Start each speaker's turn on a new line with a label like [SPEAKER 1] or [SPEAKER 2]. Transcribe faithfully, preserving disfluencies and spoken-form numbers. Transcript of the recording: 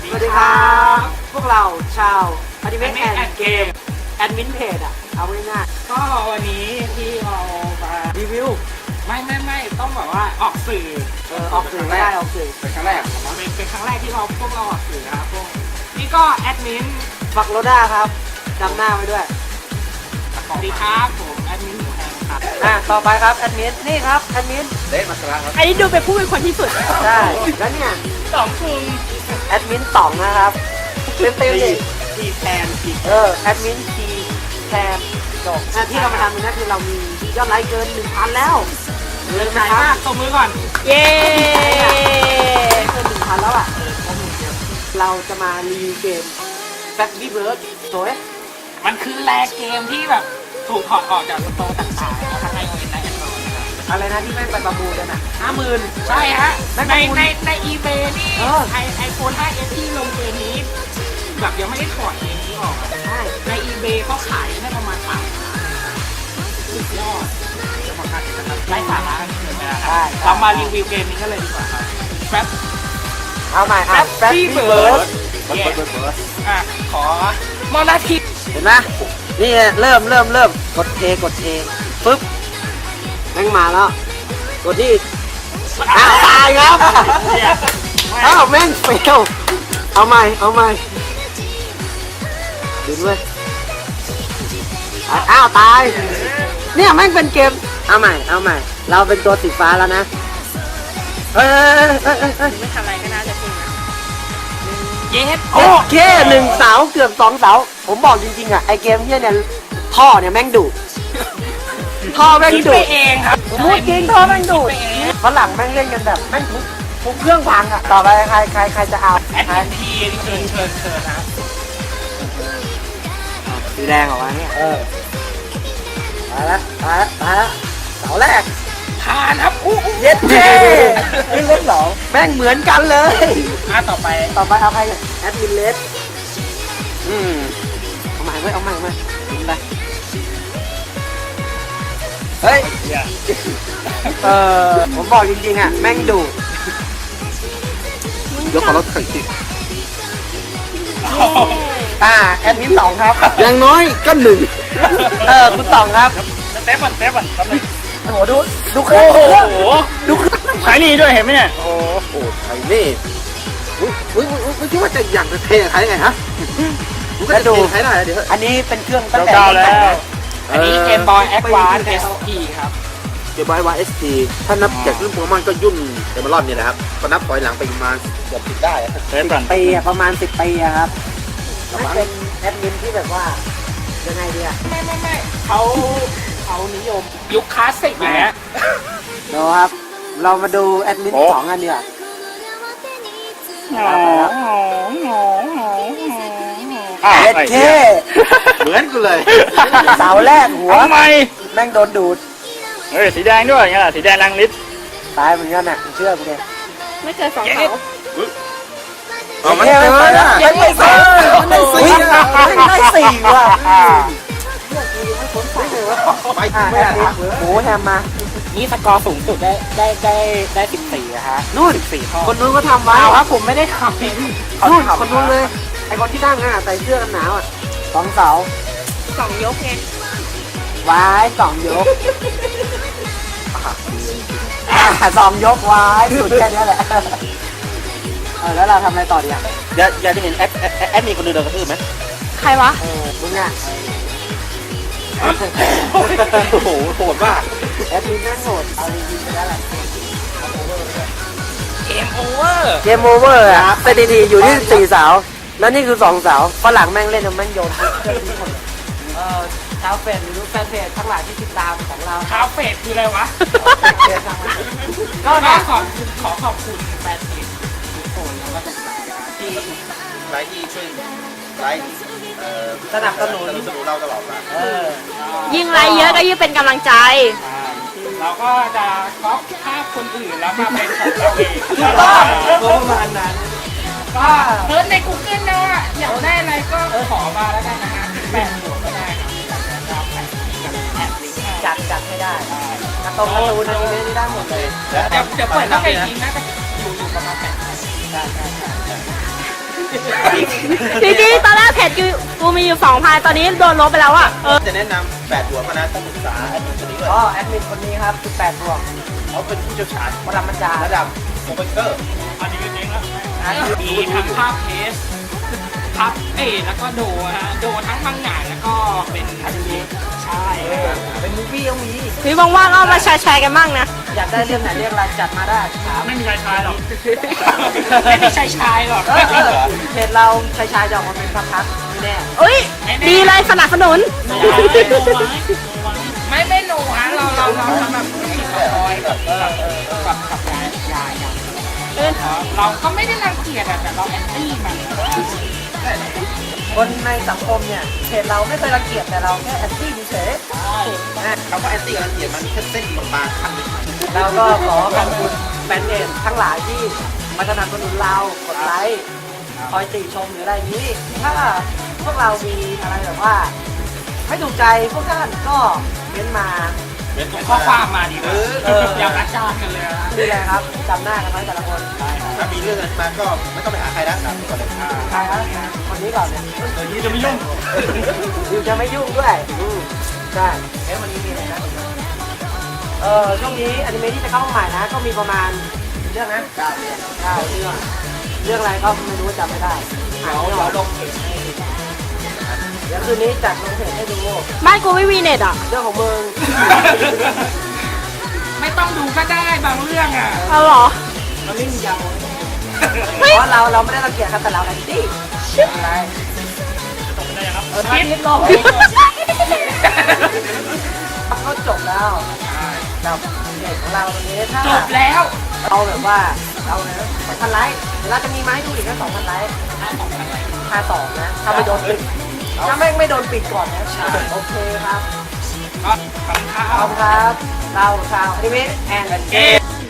[SPEAKER 1] สวัสดีครับพวกเราชาวอนิเมะแอนด์เกมแอดมินเพจอ่ะเอาง่ายๆก็วันนี้ที่เรามารีวิวไม่ไม่ไม่ต้องแบบว่าออกสื่อเออออกสื่อไม่ได้ออกสื่อเป็นครั้งแรกเป็นเป็นครั้งแรกที่เราพวกเราออกสื่อนะครับพวกนี่ก็แอดมินฟักโรด้าครับจำหน้าไว้ด้วยสวัสดีครับผมแอดมินหมูแฮมครับอ่ะต่อไปครับแอดมินนี่ครับแอดมินเดชมัสระครับ
[SPEAKER 2] อันนี้ดูเป็นผู้เป็นคนที่สุด
[SPEAKER 1] ใช่แล้วเนี่ย
[SPEAKER 2] สองคุณ
[SPEAKER 1] แอดมินต่องนะครับเต็มเต็มเลยทีแทนทีเออแอดมินทีแทนจบที่เรามาทำนี่คือเรามียอดไลค์เกินหนึ่งพันแล้วเลิศมากตบมือก่อน
[SPEAKER 2] เย้
[SPEAKER 1] เกินหนึ่งพันแล้วอ่ะเราจะมารีวิวเกมแฟบบี้เบิร์ดสวย
[SPEAKER 3] มันคือแลกเกมที่แบบถูกถอดออกจากสโตร์ต่างๆทั้งไอโอเอสและแอนดรอยด์
[SPEAKER 1] อะไรนะที่แม่งไปประมูลกันอ่ะห้าหมื่น
[SPEAKER 3] ใช่ฮะในในในอีเบนี่ไอไอโฟน ไฟว์ เอส ที่ลงเกมนี้แบบยังไม่ได้ถอดเกมนี้ออก
[SPEAKER 1] ใช่
[SPEAKER 3] ในอีเบเขาขายได้ประมาณสามล้านสุดยอดจะบอกกันนะครับไร้สาระกันเกินไปแล้วครับเรามารีวิวเกมนี้กันเลยดีกว่าครับแฟบ
[SPEAKER 1] เอาใหม่อ่ะแฟบบี้เบิร์ด
[SPEAKER 3] อ่ะขอมอนาที
[SPEAKER 1] เห็นไหมนี่เริ่มเริ่มเริ่มกด A กด A ปึ๊บแม่งมาแล้วกดที่อ้าวตายครับอ้าวแม่งเฟลเอาใหม่เอาใหม่ดึงเลยอ้าวตายเนี่ยแม่งเป็นเกมเอาใหม่เอาใหม่เราเป็นตัวสีฟ้าแล้วนะเอ้ยเอ้ยเอ้ยเอ้ย
[SPEAKER 2] ไม่ทำอะไรก็น่าจะจริงนะ
[SPEAKER 3] เย็ด
[SPEAKER 1] โอเคหนึ่งเสาเกือบสองเสาผมบอกจริงๆอ่ะไอเกมเนี้ยเนี่ยท่อเนี่ยแม่งดุท่อแม่งดุ
[SPEAKER 3] เองครับ
[SPEAKER 1] พูดจริงท่อแม่งดุฝรั่งแม่งเล่นกันแบบแม่งทุกทุกเครื่องพังอ่ะต่อไปใครใครใครจะเอา
[SPEAKER 3] แอดมินทีเชิญเชิญเชิญนะ
[SPEAKER 1] สีแดงออกมาเนี่ยเออมาละมาละมาละเสาแรก
[SPEAKER 3] ผ่านครับอู้
[SPEAKER 1] เย็ดเท่ขึ้นเลขสองแม่งเหมือนกันเลย
[SPEAKER 3] อ่ะต่อไป
[SPEAKER 1] ต่อไปเอาใครแอดมินเลสอืมเอาใหม่เว้ยเอาใหม่เอาใหม่ยิงไปเฮ้ยเออผมบอกจริงๆอ่ะแม่งดุยกขอรถไข่ติดอ่าแอดมินสองครับอย่างน้อยก็หนึ่งเออคุณสองครับ
[SPEAKER 3] เต็ปก่อนเต็ปก่อน
[SPEAKER 1] โอ้โหดูดู
[SPEAKER 3] โอ้โห
[SPEAKER 1] ดู
[SPEAKER 3] ใช้นี่ด้วยเห็นไหมเนี่ย
[SPEAKER 1] โอ้โหใช้นี่อุ้ยอุ้ยอุ้ยคิดว่าจะอย่างจะเทใครไงฮะก็ดูใช้ได้เดี๋ยวอันนี้เป็นเครื่องตั้งแต่
[SPEAKER 3] แล้วอันนี้เกมบอยแอดวานซ์เอสพีครับ
[SPEAKER 4] เกมบอยแอดวานซ์เอสพีถ้านับจากรุ่นโปเกมอนก็ยุ่นเดมอนเนี่ยนะครับก็นับถอยหลังไปประมาณเกือบสิบได้
[SPEAKER 1] สิบปีประมาณสิบปีครับมันเป็นแอดมินที่แบบว่ายังไงดีอะ
[SPEAKER 3] ไม่ไม่ไม่เขาเขานิยมยุคคลาสสิกอย่างเงี้ย
[SPEAKER 1] ดูครับเรามาดูแอดมินสองอันเดียวเอ็ดเค
[SPEAKER 4] เหมือนกูเลย
[SPEAKER 1] เสาแรกหัว
[SPEAKER 3] ทำไม
[SPEAKER 1] แม่งโดนดูด
[SPEAKER 3] เฮ้ยสีแดงด้วยไงล่ะสีแดงรังลิศ
[SPEAKER 1] ตายเหมือนกันน่ะเชื่อกูเลย
[SPEAKER 2] ไม่เจอสองเสา
[SPEAKER 4] อ๋อมันเจอแล้ว
[SPEAKER 1] ยังไม่เจอมันได้สี่ได้สี่ว่ะหมูแฮมมา
[SPEAKER 3] นี่สกอร์สูงสุดได้ได้ได้ได้สิบสี่อะฮะ
[SPEAKER 1] นู่น
[SPEAKER 3] สี่ข้อ
[SPEAKER 1] คนนู้นก็ทำไว้
[SPEAKER 3] ครับผมไม่ได้ทำ
[SPEAKER 1] นู่นคนนู้นเลยไอคนที่นั่งอ่ะใส่เสื้อกันหนาวอ่ะสองเสา
[SPEAKER 2] สองยกไง
[SPEAKER 1] วายสองยกสองยกวายสุดแค่นี้แหละเออแล้วเราทำอะไรต่อดีอ่ะ
[SPEAKER 4] อยากอยากจะเห็นแอดแอดมีคนเดินเดินกระทืบไหม
[SPEAKER 2] ใครวะ
[SPEAKER 1] เออมึงอ่ะ
[SPEAKER 4] โอ้โหโหดมาก
[SPEAKER 1] แอดมินนั่งโหดเอาจริงๆไปแล้วแหละ
[SPEAKER 3] เกมโอเวอร์
[SPEAKER 1] เกมโอเวอร์อ่ะสถิติอยู่ที่สี่เสาแล้วนี่คือสองเสาฝรั่งแม่งเล่นแม่งโยนเออชาวเฟซหรือแฟนเพจทั้งหลายที่ติดตามของเรา
[SPEAKER 3] ชาวเฟซคืออะไรวะก็ขอขอขอบคุณแฟนเพจทุกคนแล้วก็ทุกสายที่
[SPEAKER 4] ไลค์ที่ช่วยไลค์
[SPEAKER 1] สนับสนุน
[SPEAKER 4] สนุนเราตลอดมา
[SPEAKER 2] ยิ่งไลค์เยอะก็ยิ่งเป็นกำลังใจ
[SPEAKER 3] เราก็จะก๊อปภาพคนอื่นแล้วมาเป็นของเราเอง
[SPEAKER 1] ถูกต้องประมาณนั้น
[SPEAKER 3] ก็เซิร์ชใน กูเกิล นะว่าอยากได้อะไรก็ขอมาแล้วกันนะฮะแปะหัวก็ได้ครับ
[SPEAKER 1] จัดจัดให้ได้กระตุ้นกระตูนอะไรนี้ได้หมดเลย
[SPEAKER 3] เดี๋ยวเดี๋ยวเปิดเข้าไปอีกนะอยู่อยู่ประมาณแปดใช่ใช่ใช่
[SPEAKER 2] จริงๆตอนแรกเพจกูกูมีอยู่สองพันตอนนี้โดนลบไปแล้วอ่ะเออ
[SPEAKER 4] จะแนะนำแปดตัวมานะต้องปรึกษาแอดมินคนนี้ด้วย
[SPEAKER 1] อ๋อแอดมินคนนี้ครับสิบแปดบวก
[SPEAKER 4] เขาเป็นผู้เชี่ยวชาญ
[SPEAKER 1] ปรมาจารย์
[SPEAKER 4] ระดับโปรเฟสเซอร์
[SPEAKER 3] อันนี้ก็เจ๊งแล้ว
[SPEAKER 1] อ่ะ
[SPEAKER 3] มีทั้งภาพเทสภาพเอยแล้วก็โดฮะโดทั้งมังงะแล้วก็เป็นอนิเมะใช่ครับ
[SPEAKER 1] เป็นมูฟวี่ต้องมี
[SPEAKER 2] พี่ว่างๆก็เอามาแชร์ๆกันบ้างนะ
[SPEAKER 1] อยากได้เรื่องไหนเรื่องอะไรจัดมาได้ถาม
[SPEAKER 3] ไม่มีชายชายหรอกไม่มีชายชายหรอก
[SPEAKER 1] เออเออเพจเราชายชายจะออกมาเป็นพักๆไม่แน่
[SPEAKER 2] เอ้ย ดีเลยสนับสนุน
[SPEAKER 3] ไม่ไม่หนูฮะเราเราเราทำแบบผู้หญิงกับคอยกับกับกับกับยายยายยาย
[SPEAKER 2] เอ้ย
[SPEAKER 3] เราก็ไม่ได้รังเกียจอะแต่เราแอนตี้มัน
[SPEAKER 1] คนในสังคมเนี่ยเพจเราไม่เคยรังเกียจแต่เราแค่แอนตี้เฉย
[SPEAKER 4] คำว่าแอนตี้กับรังเกียจมันแค่เส้นบางๆขั้นหนึ่ง
[SPEAKER 1] ๆเราก็ขอขอบคุณแฟนเพจทั้งหลายที่มาสนับสนุนเรากดไลค์คอยติชมหรืออะไรอย่างนี้ ถ้าพวกเรามีอะไรแบบว่าไม่ถูกใจพวกท่านก็เม้นมา
[SPEAKER 4] เป็น
[SPEAKER 3] ข้อความมาดีก
[SPEAKER 4] เอ
[SPEAKER 3] ว่า
[SPEAKER 4] อ
[SPEAKER 3] อย่าประจานกันเลยนะ
[SPEAKER 1] นี่แหละครับจำหน้ากันไว้แต่ละคน
[SPEAKER 4] ถ้ามีเรื่องอะไรมาก็ไม่ต้องไปหาใครนะถามก่อนเลย
[SPEAKER 1] ใครครับคนนี้ก่อนเนี่ย
[SPEAKER 3] เดี๋ยวนี้จะไม่ยุ่ง
[SPEAKER 1] ยูจะไม่ยุ่งด้วยอืมใช่เอ๊ะวันนี้มีอะไรนะเออช่วงนี้อนิเมะที่จะเข้ามาใหม่นะ ก็มีประมาณกี่เรื่องนะเก้าเรื่องเก้าเรื่องเรื่องอะไรก็ไม่รู้จำไม่ได้
[SPEAKER 4] เดี๋ยวเราลงเพจให้
[SPEAKER 1] เดี๋ยวคืนนี้จัดลงเพจให้ดู
[SPEAKER 2] บ้านกูไม่มีเน็ตอ่ะ
[SPEAKER 1] เรื่องของมึง
[SPEAKER 3] ไม่ต้องดูก็ได้บางเรื่องอ่ะ
[SPEAKER 2] เอาเหรอ
[SPEAKER 1] มันไม่มียาว
[SPEAKER 2] เฮ้ย
[SPEAKER 1] เพราะเราเราไม่ได้รังเกียจครับแต่เราแอนตี้อะไรเออทำนิดลงก็จบแล้วกับเพจของเราตรงนี้ถ้า
[SPEAKER 3] จบแล้ว
[SPEAKER 1] เราแบบว่าเราเนี่ยสองพันไลค์เดี๋ยวเราจะมีมาให้ดูอีกแค่สองพันไลค์ค่าสองนะถ้าไม่โดนปิดถ้าไม่ไม่โดนปิดก่อนนะโอเคครับ
[SPEAKER 3] ก็ขอบคุณครั
[SPEAKER 1] ขอบบ คุณครับเราชาวอนิเมะแอนด์เกม